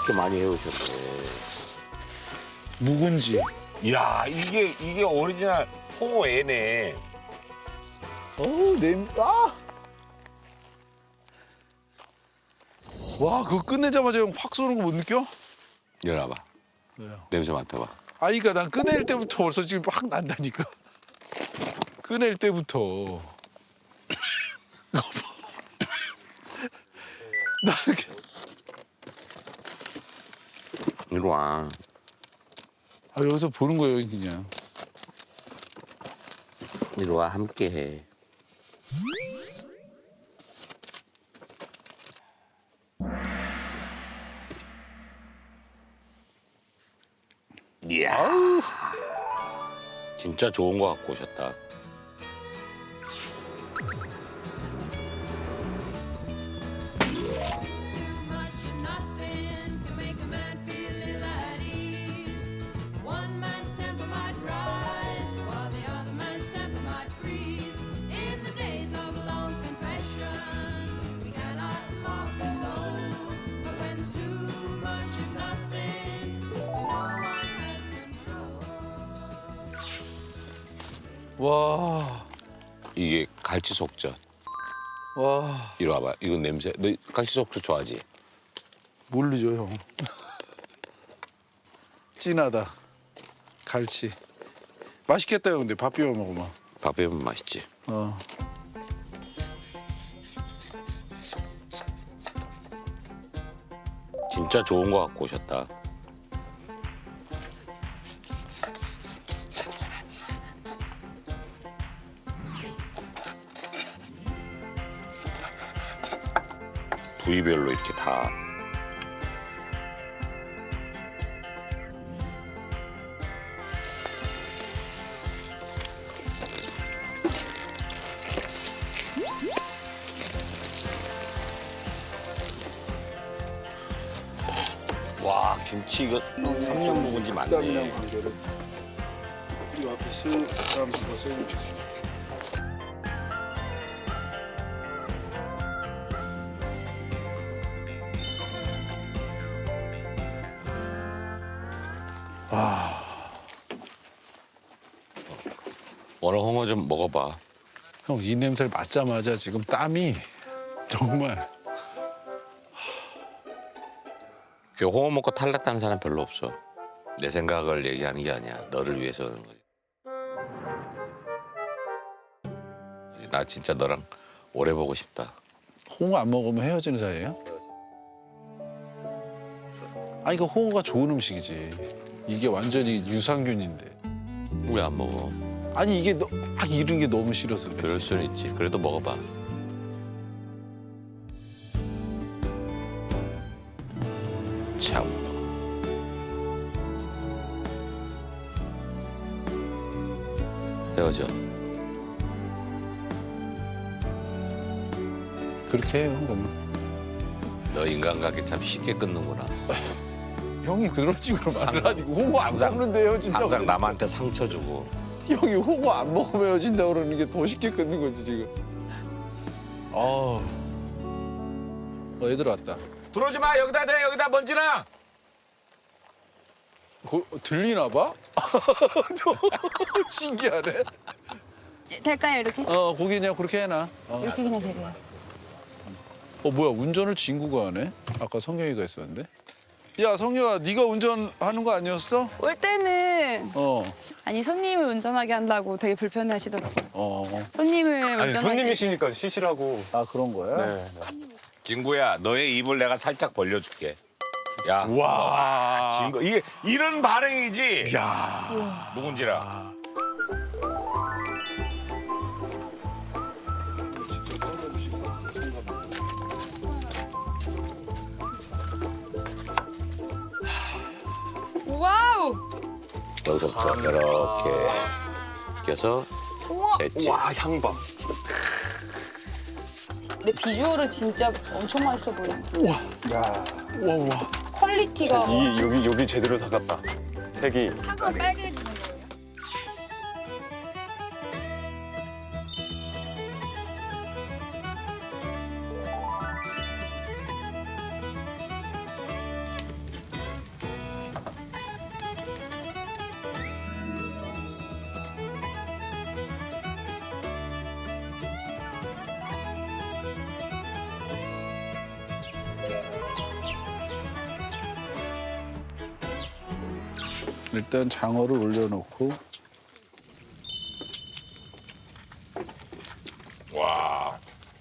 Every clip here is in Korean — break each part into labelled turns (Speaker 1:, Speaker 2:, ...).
Speaker 1: 이렇게 많이 해오셨네.
Speaker 2: 묵은지.
Speaker 1: 이야, 이게 오리지널 홍어 애네.
Speaker 2: 어우, 아! 와, 그거 끝내자마자 형 확 쏘는 거 못 느껴?
Speaker 1: 일어나봐.
Speaker 2: 왜요?
Speaker 1: 냄새 맡아봐.
Speaker 2: 아니, 그러니까 난 꺼낼 때부터 벌써 지금 확 난다니까. 꺼낼 때부터. 이거 봐. 나 이렇게.
Speaker 1: 이리 와.
Speaker 2: 아, 여기서 보는 거예요, 그냥.
Speaker 1: 이리 와, 함께 해. 이야. 진짜 좋은 거 갖고 오셨다.
Speaker 3: Much of nothing can make a man feel ill at ease. One man's temper might rise, while the other man's temper might freeze. In the days of long confession, we cannot mock the soul. But when there's too much of nothing, no one has control.
Speaker 2: 와,
Speaker 1: 이게 갈치 속젓.
Speaker 2: 와.
Speaker 1: 이리 와봐. 이건 냄새. 너 갈치 속젓 좋아하지?
Speaker 2: 모르죠, 형. 진하다. 갈치. 맛있겠다, 형. 근데 밥 비벼 먹으면.
Speaker 1: 밥 비비면 맛있지.
Speaker 2: 어.
Speaker 1: 진짜 좋은 거 갖고 오셨다. 부위별로 이렇게 다. 와, 김치 이거 3년 묵은지
Speaker 2: 땀이랑
Speaker 1: 맞네.
Speaker 2: 관계를 이 앞에 쓱 땀 집어서
Speaker 1: 오늘 홍어 좀 먹어봐.
Speaker 2: 형, 이 냄새를 맡자마자 지금 땀이 정말.
Speaker 1: 그 홍어 먹고 탈락하는 사람 별로 없어. 내 생각을 얘기하는 게 아니야. 너를 위해서 그러는 거지. 나 진짜 너랑 오래 보고 싶다.
Speaker 2: 홍어 안 먹으면 헤어지는 사이예요? 아니, 그 홍어가 좋은 음식이지. 이게 완전히 유산균인데.
Speaker 1: 왜 안 먹어?
Speaker 2: 아니, 이게 막 이런 게 너무 싫어서 그래.
Speaker 1: 그럴 수는 있지. 그래도 먹어봐. 참. 헤어져.
Speaker 2: 그렇게 해요, 그러면.
Speaker 1: 너 인간관계 참 쉽게 끊는구나.
Speaker 2: 형이 그런 식으로 말을
Speaker 1: 항상-
Speaker 2: 하니까 홍어 안
Speaker 1: 항상-
Speaker 2: 먹는데 헤어진다고.
Speaker 1: 항상 남한테 상처 주고.
Speaker 2: 형이 홍어 안 먹으면 헤어진다고 그러는 게 더 쉽게 끊는 거지, 지금. 애들 왔다.
Speaker 1: 들어오지 마. 여기다 대. 여기다 먼지나.
Speaker 2: 들리나 봐? 신기하네.
Speaker 4: 될까요, 이렇게?
Speaker 2: 고기 그냥 그렇게 해놔.
Speaker 4: 이렇게 그냥 되래요.
Speaker 2: 뭐야, 운전을 진구가 하네? 아까 성경이가 했었는데. 야, 성경아, 네가 운전하는 거 아니었어?
Speaker 4: 올 때는
Speaker 2: 어.
Speaker 4: 아니 손님을 운전하게 한다고 되게 불편해하시더라고요. 손님을
Speaker 5: 아니
Speaker 4: 운전하게
Speaker 5: 손님이시니까 쉬시라고.
Speaker 2: 아, 그런 거야?
Speaker 5: 네.
Speaker 1: 진구야, 너의 입을 내가 살짝 벌려줄게. 야,
Speaker 5: 와.
Speaker 1: 진구, 이게 이런 반응이지.
Speaker 5: 야.
Speaker 1: 묵은지라.
Speaker 4: 와우!
Speaker 1: 여기서부터 이렇게 껴서 됐지.
Speaker 5: 와 향봐.
Speaker 4: 근데 비주얼은 진짜 엄청 맛있어 보여.
Speaker 5: 와 와.
Speaker 4: 퀄리티가
Speaker 5: 이 여기 제대로 사갔다. 색이.
Speaker 4: 사과 빨개지는 거예요?
Speaker 2: 일단 장어를 올려놓고
Speaker 1: 와.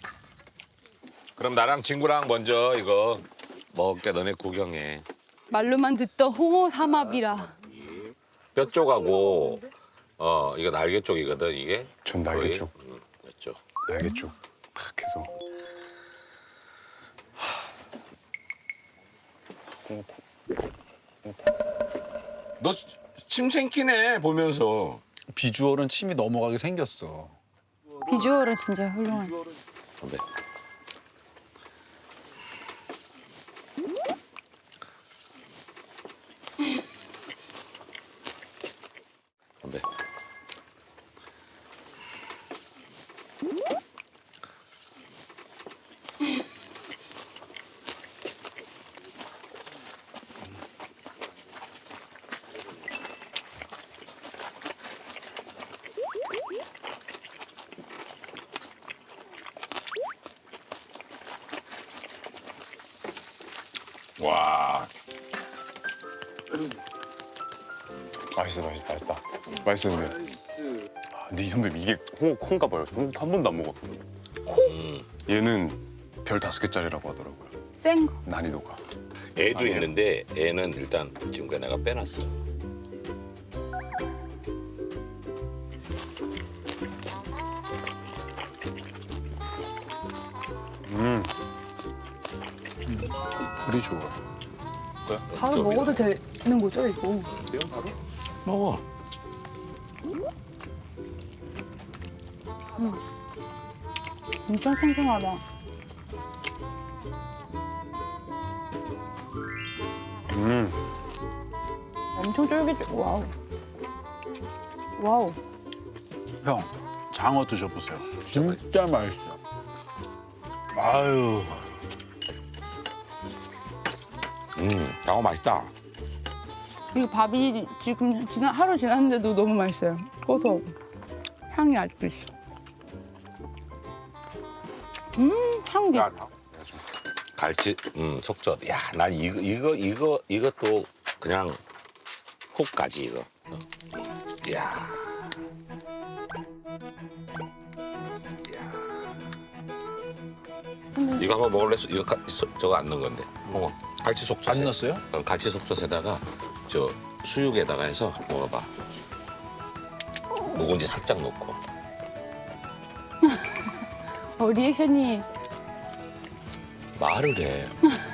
Speaker 1: 그럼 나랑 친구랑 먼저 이거 먹을게. 너네 구경해.
Speaker 4: 말로만 듣던 홍어 삼합이라.
Speaker 1: 뼈 쪽하고 이거 날개 쪽이거든 이게.
Speaker 5: 전 날개
Speaker 1: 거의.
Speaker 5: 쪽.
Speaker 1: 뼈 쪽.
Speaker 5: 날개 쪽. 탁 해서.
Speaker 1: 너 침 생기네 보면서.
Speaker 2: 비주얼은 침이 넘어가게 생겼어.
Speaker 4: 비주얼은 진짜 훌륭한.
Speaker 1: 건배. 건배. 와.
Speaker 5: 맛있어. 맛있어 근데. 네 선배 이게 홍어 콩가 봐요. 저는 한 번도 안 먹었거든요. 얘는 별 5개짜리라고 하더라고요.
Speaker 4: 생
Speaker 5: 난이도가.
Speaker 1: 애도
Speaker 5: 아니에요.
Speaker 1: 있는데 애는 일단 지금까지 내가 빼놨어.
Speaker 2: 불이 좋아.
Speaker 4: 바로
Speaker 1: 좀
Speaker 4: 먹어도 되는 거죠 이거?
Speaker 1: 먹어.
Speaker 4: 엄청 생생하다. 엄청 쫄깃. 와우. 와우.
Speaker 2: 형, 장어 드셔보세요. 진짜 맛있어. 아유,
Speaker 1: 장어 맛있다.
Speaker 4: 이 밥이 지금 하루 지났는데도 너무 맛있어요. 고소하고 향이 아직도 있어. 향기.
Speaker 1: 갈치, 속젓. 야, 난 이것도 그냥 훅 가지 이거. 야. 이거 한번 먹을래? 이거 저거 안 넣은 건데. 갈치 속젓.
Speaker 2: 안 넣었어요?
Speaker 1: 갈치 속젓에다가 저 수육에다가 해서 먹어봐. 묵은지 살짝 넣고.
Speaker 4: 리액션이
Speaker 1: 말을 해.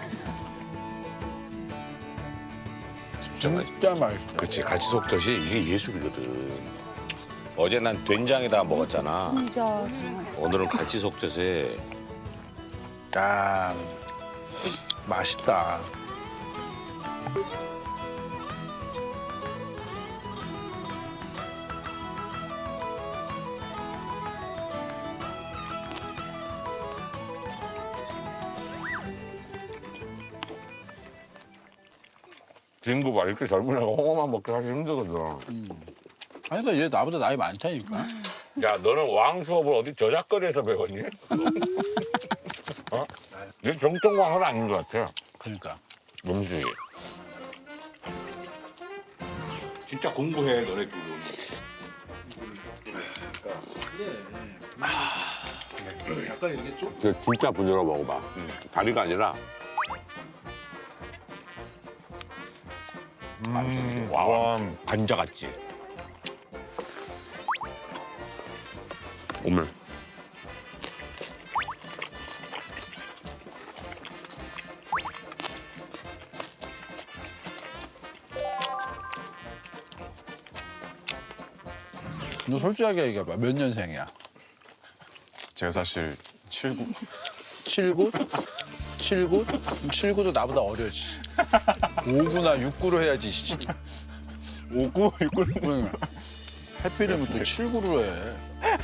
Speaker 1: 진짜 맛있어.
Speaker 2: 진짜 맛있어.
Speaker 1: 그치, 갈치 속젓이 이게 예술이거든. 어제 난 된장에다가 먹었잖아.
Speaker 4: 진짜 정말.
Speaker 1: 오늘은 갈치 속젓에
Speaker 2: 야, 맛있다.
Speaker 1: 친구가 이렇게 젊은 애가 홍어만 먹기 사실 힘들거든.
Speaker 2: 아니, 그러니까 얘 나보다 나이 많다니까.
Speaker 1: 야, 너는 왕 수업을 어디 저작거리에서 배웠니? 어? 얘 정통왕은 아닌 것 같아.
Speaker 2: 그러니까.
Speaker 1: 음식이. 진짜 공부해, 너네 지금.
Speaker 2: 약간 이렇게 좀.
Speaker 1: 진짜 부드러워 먹어봐. 다리가 아니라. 와, 관자 같지. 오늘.
Speaker 2: 너 솔직하게 얘기해봐. 몇 년생이야?
Speaker 5: 제가 사실 79.
Speaker 2: 79? 79? 79도 나보다 어려, 씨. 5구나 6구로 해야지, 씨.
Speaker 5: 59, 69.
Speaker 2: 그러니까. 해피되면 또 7구로 해.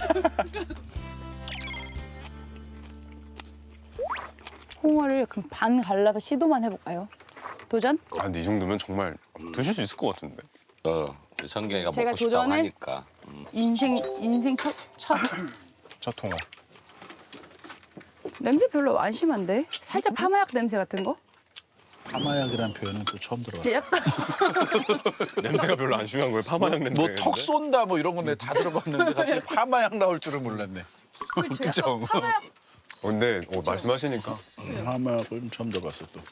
Speaker 4: 홍어를 그럼 반 갈라서 시도만 해볼까요? 도전?
Speaker 5: 아, 근데 이 정도면 정말 드실 수 있을 것 같은데.
Speaker 1: 우리 성경이가
Speaker 4: 제가
Speaker 1: 먹고 싶다고
Speaker 4: 도전을?
Speaker 1: 하니까.
Speaker 4: 인생 첫
Speaker 5: 첫 통화.
Speaker 4: 냄새 별로 안 심한데? 살짝 파마약 냄새 같은 거?
Speaker 2: 파마약이란 표현은 또 처음 들어봐.
Speaker 4: 이게 약간
Speaker 5: 냄새가 별로 안 심한 거예요. 파마향 냄새.
Speaker 2: 뭐 턱 쏜다 뭐 이런 건 내가 다 들어봤는데 갑자기 파마약 나올 줄은 몰랐네. 그죠?
Speaker 5: 근데 말씀하시니까
Speaker 2: 파마약을 처음 들어봤어 또.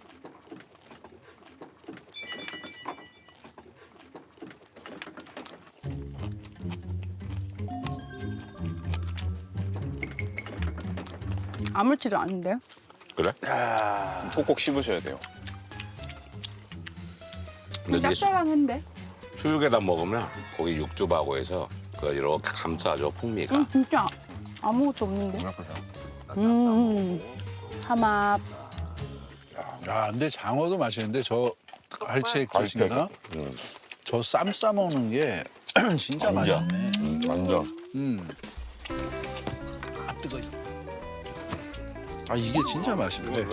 Speaker 4: 아무렇지도 않은데.
Speaker 1: 그래?
Speaker 5: 꼭꼭 씹으셔야 돼요.
Speaker 1: 근데 이제
Speaker 4: 짭짤한데.
Speaker 1: 수육에다 먹으면 고기 육즙하고 해서 그 이렇게 감싸줘 풍미가.
Speaker 4: 진짜 아무것도 없는데. 삼합.
Speaker 2: 야, 근데 장어도 맛있는데 저 갈채 깃인가? 저 쌈 싸 먹는 게 진짜 맛있네.
Speaker 5: 완전.
Speaker 2: 아 뜨거. 아 이게 진짜 맛있네.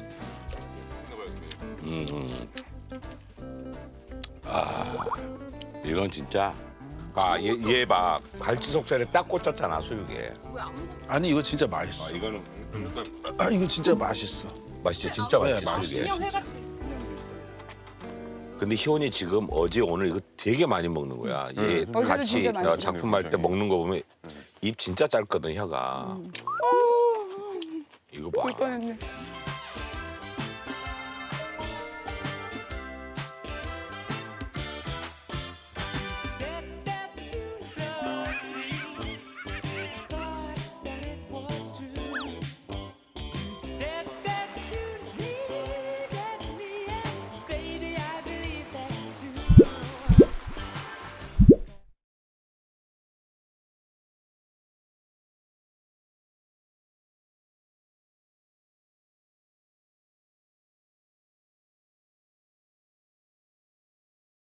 Speaker 1: 이건 진짜. 얘 봐. 갈치 속살에 딱 꽂혔잖아 수육에.
Speaker 2: 아니 이거 진짜 맛있어.
Speaker 1: 이거는
Speaker 2: 아 이거 진짜 맛있어.
Speaker 1: 맛있지 진짜
Speaker 2: 네,
Speaker 1: 맛있지
Speaker 2: 맛있어요.
Speaker 1: 수육에. 근데 희원이 지금 어제 오늘 이거 되게 많이 먹는 거야. 얘
Speaker 4: 어제도
Speaker 1: 같이
Speaker 4: 진짜 많이 먹었어.
Speaker 1: 작품할 때 먹는 거 보면 입 진짜 짧거든 혀가. 이거 봐.
Speaker 4: 볼 뻔했네.